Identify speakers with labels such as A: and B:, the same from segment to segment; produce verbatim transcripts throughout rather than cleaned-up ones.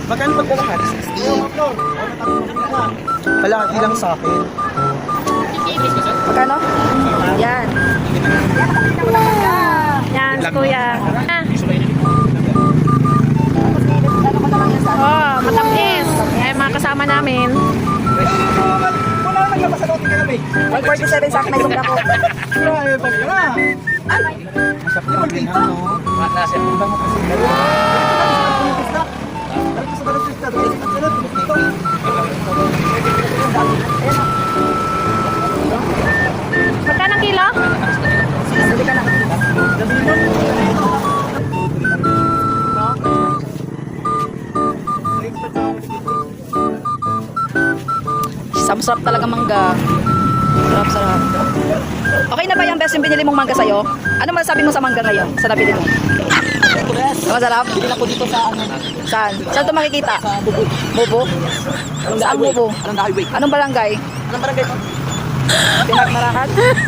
A: Magkano pagkalahat? sixty. Kalahati lang sa akin.
B: Magkano? Yan. Yan, kuya. Ah. Oh, matamis. Ay, mga kasama namin.
A: Wala naman yung masalotin ka namin.
B: one forty-seven sa akin na yung ako.
A: Grabe pa ka na. Masap na dito. Nasa yung bango kasi.
B: Magkano kilo?
A: Sige ka na.
B: Sarap talaga mangga. Sarap, sarap. Okay na ba yung best yung binili mong mangga sa'yo? Ano masasabi mo sa mangga ngayon? Sa nabili mo? Masarap?
A: Bili ako dito sa ano.
B: Saan? Saan ito makikita?
A: Sa Bubo.
B: Bubo? Saan Bubo?
A: Anong highway?
B: Anong barangay?
A: Anong barangay to?
B: Pinagmarakat?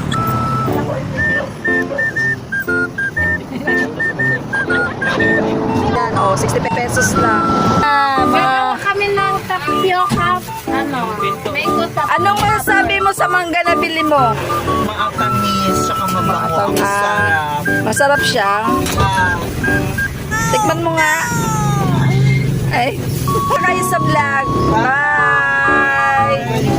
B: Yan, oh, sixty pesos lang. Ah, ma
C: Kami ng tapioca, ano, mango tapioca.
B: Anong masasabi mo sa mangga na bili mo?
A: Maatamis, tsaka mabango. Ang
B: Ah,
A: sarap.
B: masarap siya.
A: Ah,
B: Tikman mo nga. Ay, kayo sa vlog. Bye!